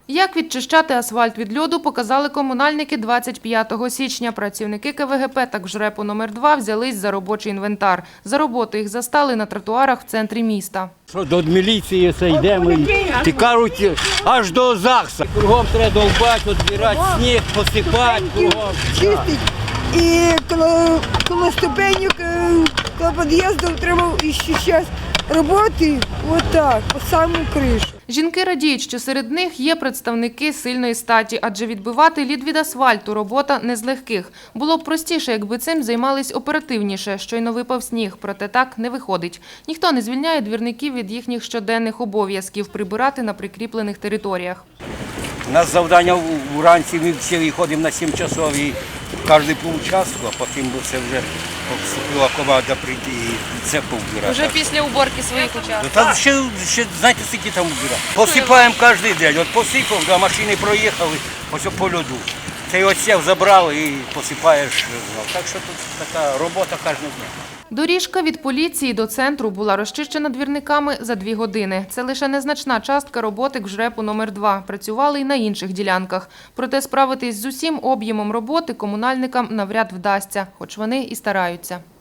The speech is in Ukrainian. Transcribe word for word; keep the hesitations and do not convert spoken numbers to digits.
Як відчищати асфальт від льоду, показали комунальники двадцять п'ятого січня. Працівники ка ве ге пе та ЖРЕПу номер два взялись за робочий інвентар. За роботу їх застали на тротуарах в центрі міста. До міліції це йдемо і кажуть, аж до ЗАГСу. Кругом треба довбати, відбирати сніг, посипати кругом. Чистить. І коло, коло ступенек, коло під'їзду треба ще зараз роботи, отак, по саму кришу. Жінки радіють, що серед них є представники сильної статі, адже відбивати лід від асфальту – робота не з легких. Було б простіше, якби цим займались оперативніше, щойно випав сніг, проте так не виходить. Ніхто не звільняє двірників від їхніх щоденних обов'язків – прибирати на прикріплених територіях. У нас завдання вранці, ми всі виходимо на сім часов і кожен по участку, а потім це вже вступила команда прийти і це повбирати. Вже після уборки своїх участків? Та ще, ще знаєте, скільки там убирати. Посипаємо кожен день. От посипав, до машини проїхали, ось по льоду. Цей оців забрали і посипаєш. Так що тут така робота кожного дня. Доріжка від поліції до центру була розчищена двірниками за дві години. Це лише незначна частка роботи ЖРЕПу номер два. Працювали й на інших ділянках. Проте справитись з усім об'ємом роботи комунальникам навряд вдасться, хоч вони і стараються.